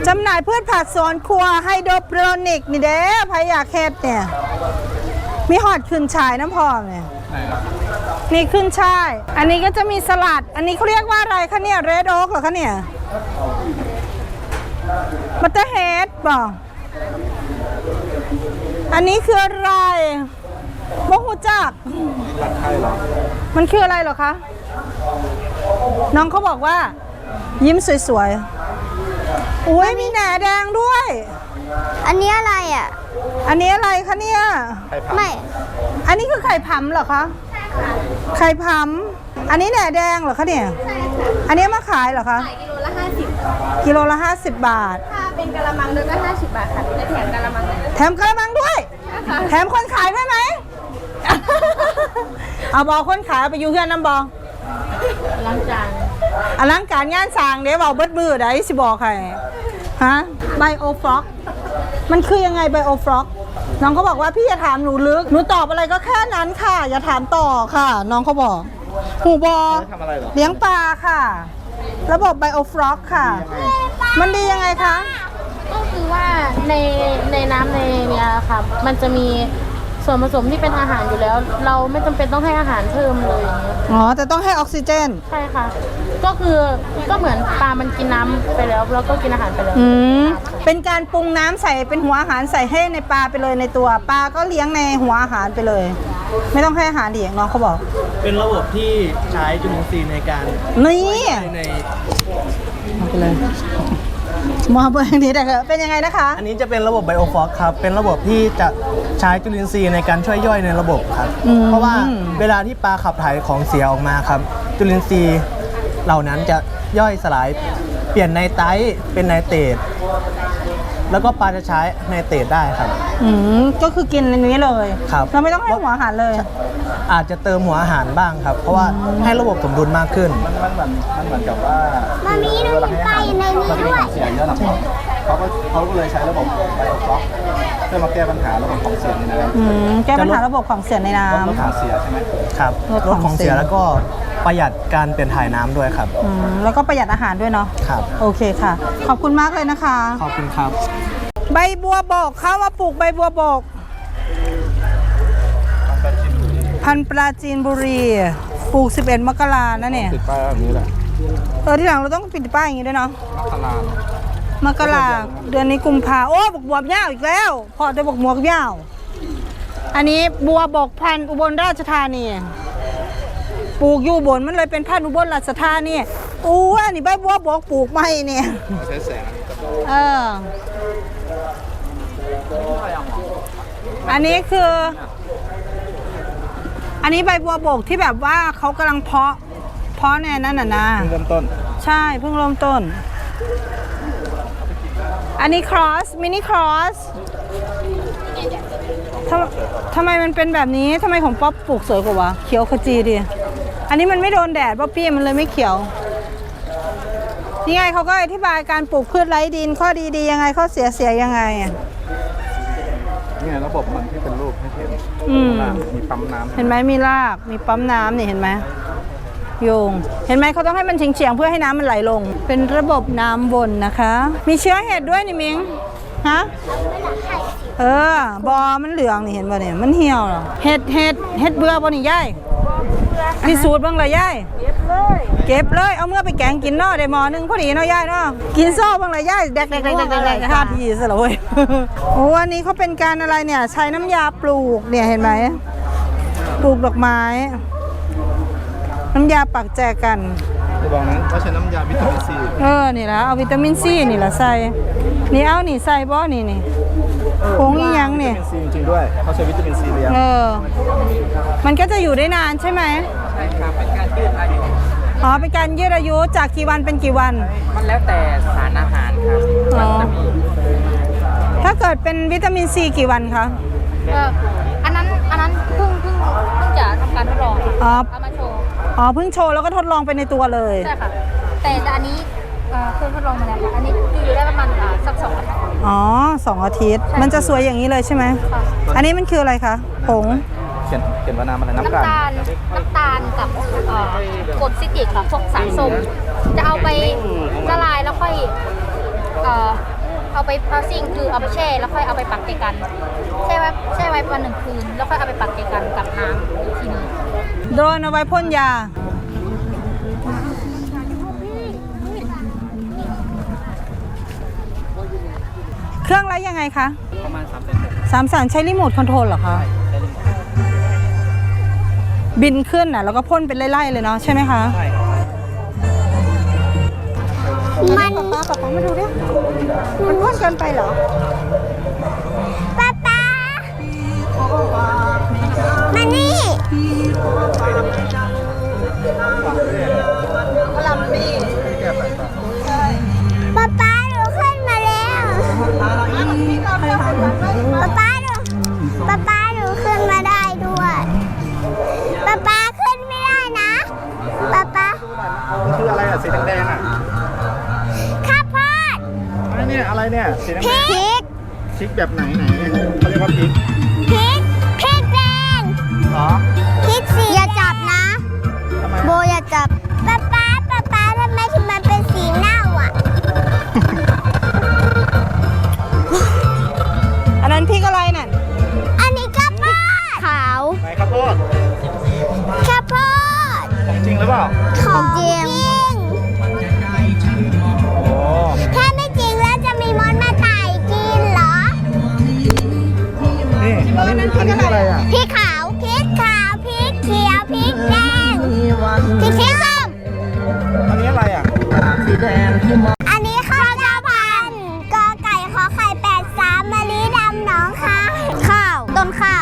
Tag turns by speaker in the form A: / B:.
A: จำหน่ายพืชผักสวนครัวไฮโดรโปรนิกนี่เด้พายอยากเฮ็ดเนี่ยมีหอดขึ้นชายน้ำพอเนี่ยนี่ขึ้นช่ายอันนี้ก็จะมีสลัดอันนี้เขาเรียกว่าอะไรคะเนี่ยเรดโอ๊กเหรอคะเนี่ยบัตเตอร์เฮดบอกอันนี้คืออะไรบ่ฮู้จักมันคืออะไรเหรอคะน้องเขาบอกว่ายิ้มสวยๆอุ้ยมีแหนแดงด้วย
B: อันนี้อะไรอ่ะ
A: อันนี้อะไรคะเนี่ย
B: ไม่
A: อันนี้คือไข่ผำเหรอคะไข่ผำอันนี้แหนแดงเหรอคะเนี่ยอันนี้มาขายเหรอคะ
B: ขายกิโลละ50
A: กิโลละ50 บาท
B: ถ้าเป็นกะละมังด้วยก็50 บาทค่ะและแถมกะละมัง
A: แถมกะละมังด้วยแถมคนขายด้วยไหมเอาบอกคนขายไปอยู่เพื่อนน้ำบอ
B: ล้างจาน
A: อลังการงานสร้างเดี๋ยวบอกเบิดมือได้สิบอกใครฮะไบโอฟล็อกมันคือยังไงไบโอฟล็อกน้องเขาบอกว่าพี่อย่าถามหนูลึกหนูตอบอะไรก็แค่นั้นค่ะอย่าถามต่อค่ะน้องเขาบอกหูบอเลี้ยงปลาค่ะระบบไบโอฟล็อกค่ะมันดียังไงคะ
B: ก็คือว่าในน้ำในเนี่ยค่ะมันจะมีส่วนผสมที่เป็นอาหารอยู่แล้วเราไม่จำเป็นต้องให้อาหารเพิ่มเลย
A: อ๋อแต่ต้องให้ออกซิเจน
B: ใช่ค่ะก็คือก็เหมือนปลามันกินน้ำไปแล้วแล้วก็กินอาหารไปแล้ว
A: เป็นการปรุงน้ำใส่เป็นหัวอาหารใส่ให้ในปลาไปเลยในตัวปลาก็เลี้ยงในหัวอาหารไปเลยไม่ต้องให้อาหารเด็กน้องเขาบอก
C: เป็นระบบที่ใช้จุลินทรีย์ในการ
A: นี่
C: ใน
A: ไปเลยมองเบอร์นี้ได้ครับเป็นยังไงนะคะ
C: อันนี้จะเป็นระบบไบโอฟล็อกครับเป็นระบบที่จะใช้จุลินทรีย์ในการช่วยย่อยในระบบครับเพราะว่าเวลาที่ปลาขับถ่ายของเสียออกมาครับจุลินทรีย์เหล่านั้นจะย่อยสลายเปลี่ยนไนไตรท์เป็นไนเตรตแล้วก็ปลาจะใช้ไนเตรตได้ครับ
A: ก็คือกินในนี้เลย
C: ครับ
A: เราไม่ต้องให้หัวอาหารเลย
C: อาจจะเติมหัวอาหารบ้างครับเพราะว่าให้ระบบสมดุลมากขึ้น
D: มันเหมือนกับว่า
B: มันมีน้ำไก่ในนี้ด้วย
D: เสียเยอะนะเขาก็เลยใช้ระบบไบโอฟล็อกเพื่อมาแก้ปัญหาระบบของเสียในน้
A: ำแก้ปัญหาระบบของเสียในน้ำ
D: ลดของเสียใช่ไหม
C: ครับลดของเสียแล้วก็ประหยัดการเปลี่ยนถ่ายน้ำด้วยครับ
A: แล้วก็ประหยัดอาหารด้วยเนาะ
C: ครับ
A: โอเคค่ะขอบคุณมากเลยนะคะ
C: ขอบคุณครับ
A: ใบบัวบกเข้ามาปลูกใบบัวบกพันปราจีนบุรีปลูก11 มกรานะเนี่ย
D: ติดป้ายแบบนี้แหละ
A: ที่หลังเราต้องปิดป้ายอย่างนี้ด้วยเนาะมกราเดือนนี้กุมภาโอ้บกบวบยาวอีกแล้วพอจะบกหมวกยาวอันนี้บัวบกพันอุบลราชธานีปลูกอยู่บนมันเลยเป็นพันอุบลราชธานีอู้อันนี้ใบบัวบกปลูกไม่เนี่ย
D: ใช้แสง
A: อันนี้คืออันนี้ใบบัวบกที่แบบว่าเขากำลังเพาะในนั้นน่ะนะ
D: เพิ่งเริ่มต้น
A: ใช่เพิ่งเริ่มต้นอันนี้ครอสมินิครอสทำไมมันเป็นแบบนี้ทำไมของป๊อปปลูกสวยกว่าวะเขียวขจีดิอันนี้มันไม่โดนแดดป๊อปปี้มันเลยไม่เขียวนี่ไงเขาก็อธิบายการปลูกพืชไร้ดินข้อดียังไงข้อเสียยังไง
D: นี่ระบบมันที่เป็นรูปให้เห็นมีปั๊มน้ำ
A: เห็นไหมมีรากมีปั๊มน้ำนี่เห็นไหมโยงเห็นไหมเขาต้องให้มันเฉียงเพื่อให้น้ำมันไหลลงเป็นระบบน้ำวนนะคะมีเชื้อเห็ดด้วยนี่มิงฮะบอมันเหลืองนี่เห็นป่ะเนี่ยมันเหี่ยวเหรอเห็ดเบื่อป่ะนี่ย่ายพิสูจน์บ้างเลยย่ายเก็บเลยเอาเมื่อไปแกงกินเนาะได้หม้อนึงพอดีเนาะย่ายเนาะกินซ่อบ้างเลยย่ายแดกท่าทีซะเลยโอ้อันนี้เขาเป็นการอะไรเนี่ยใช้น้ำยาปลูกเนี่ยเห็นไหมปลูกดอกไม้น้ำยาปักแจกัน
D: จะบอกนั้นว่าใช้น้ำยาวิตามินซี
A: นี่ละเอาวิตามินซีนี่ละใส่นี่เอานี่ใส่บ่นี่ผงอีหยังนี่
D: วิตามินซีจริงๆด้วยเขาใช้วิตามินซีเลี้ยง
A: มันก็จะอยู่ได้นานใช่ไหม
C: ใช่ครับเป็นการยืดอายุ
A: เป็นการยืดอายุจากกี่วันเป็นกี่วัน
C: มันแล้วแต่สารอาหารครับ
A: ถ้าเกิดเป็นวิตามินซีกี่วันคะ
B: อันนั้นเพิ่งจะทำการทดลองเอามาโชว์
A: เพิ่งโชว์แล้วก็ทดลองไปในตัวเลย
B: ใช่ค่ะแต่อันนี้เคยทดลองมาแล้วค่ะอันนี้อยู่ได้ประมาณสัก2 อาทิตย์
A: 2 อาทิตย์มันจะสวยอย่างนี้เลยใช่ไหมอันนี้มันคืออะไรคะผง
D: เขียนว่าน้ำอะไร
B: น้ำตาลกับกรดซิตริกค่ะพวกสารส้มจะเอาไปละลายแล้วค่อย
E: เอาไปพาซิ่งคือเอาไปแช่แล้วค่อยเอาไปปักเจกันแช่ไว้วัน1 คืนแล้วค่อยเอาไปปักเจกันกับน้ำอีกทีนึง
A: โดรนเอาไว้พ่นยา เครื่องละยังไงคะ
C: ประมาณ
A: 3 แสนใช้รีโมทคอนโทรลเหรอคะ บินขึ้นน่ะแล้วก็พ่นเป็นไล่ๆเลยเนาะใช่ไหมคะ
C: ใช่
A: มันป๊ามาดูดิมันพ่นเกินไปเหรอ
F: ป๊าป๊ามานี่ป๊าป๊าหนูขึ้นมาแล้วป๊าป๊าหนูขึ้นมาได้ด้วยป๊าป๊าขึ้นไม่ได้นะป๊าป๊า
D: มันคืออะไรอ่ะสีแดงๆอ่ะ
F: ข้าวโพด
D: อันนี้อะไรเนี่ยสีแดง
F: พริก
D: ๆพริกแบบไหนเขาเรียกว่าพริก
F: พริกแดง
D: เหรอ
F: พริกสีอย่าจับนะ
D: ทำไม
F: โบอย่าจับป๊าป๊าทำไมถึงมันเป็นสีเน่าอ่ะ
A: อันนั้นพริกอะไรน่ะ
F: อันนี้ข้าวโพดขาว
D: ไหนข้าวโพด
F: ข้าวโพด
D: ของจริงหรือเปล่า
F: ของจริง
D: โอ้
F: ถ้าไม่จริงแล้วจะมีมดมาไต่กินเหรอ
D: นี่อันนี้คืออะไรอ่ะ
F: พริกขาวพริกเขียวพริกแดงพริกส้ม
D: อันนี้อะไรอ่ะ
F: อันนี้ข้าวเจ้าพันธุ์กอไก่ขอไข่83มะลิดำหนองคายข้าวต้นข้า